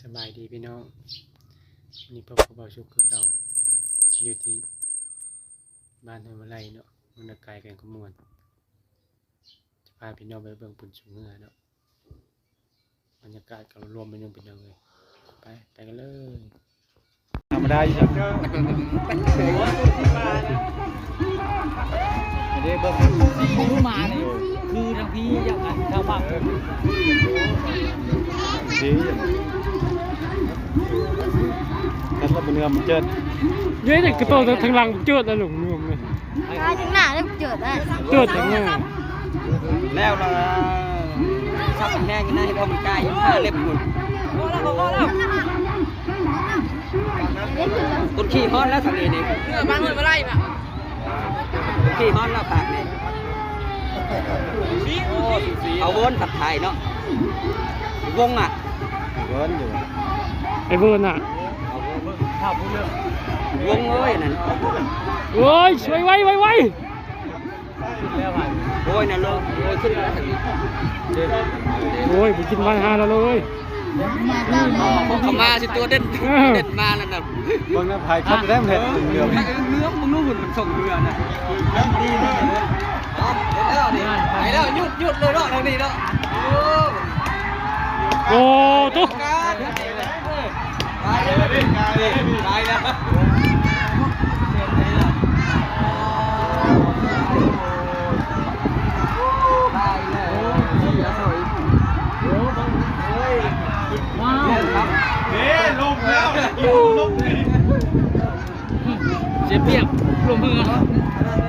สบายดีพี่น้องวันนี้พบกับเบาชุกคือเก่าอยู่ที่บ้านห้วยมะไลเนาะมันไกลกันขมวนจะพาพี่น้องไปเบิ่งปุ่นสูงเงือเนาะบรรยากาศก็รวมไปนุ่มพี่น้องเลยไปกันเลยธรรมดาอยู่ครับเดี๋ยวเบิ่งรู้มาเลยคือทางพี่อย่างนั้นชาวบ้านดีกันแล้วเป็นเนื้อมันเจิดเยอะแต่กระโตทางหลังเจิดแล้วหลงเนื้อเลยถึงหน้าได้เจิดแล้วเจิดทั้งหน้าแล้วเราชอบแห้งนะให้พอมันใกล้ผ้าเล็บหมดต้นขี้ฮ้อนแล้วทางนี้นี่บ้านเงินมาไล่ป่ะขี้ฮ้อนแล้วปากนี่เอาวนผัดไทยเนาะวงอ่ะวนอยู่ไอ้เบิร์นอ่ะวงเอ้ยนั่นโอ้ยช่วยไว้โอ้ยนั่นเลยโอ้ยขึ้นแล้วโอ้ยผมกินวัน5แล้วเลยเขามาสิตัวเด่นมาแล้วนะบางน้ำพายคัดได้ไหมเนื้อมึงรู้มันส่งเรือนะดีเลยไปแล้วหยุดเลยเนาะทางนี้เนาะโอ้ตุ๊กตายแล้วว้าวลงแล้วลงเลยเจ็บเปียกลงมือ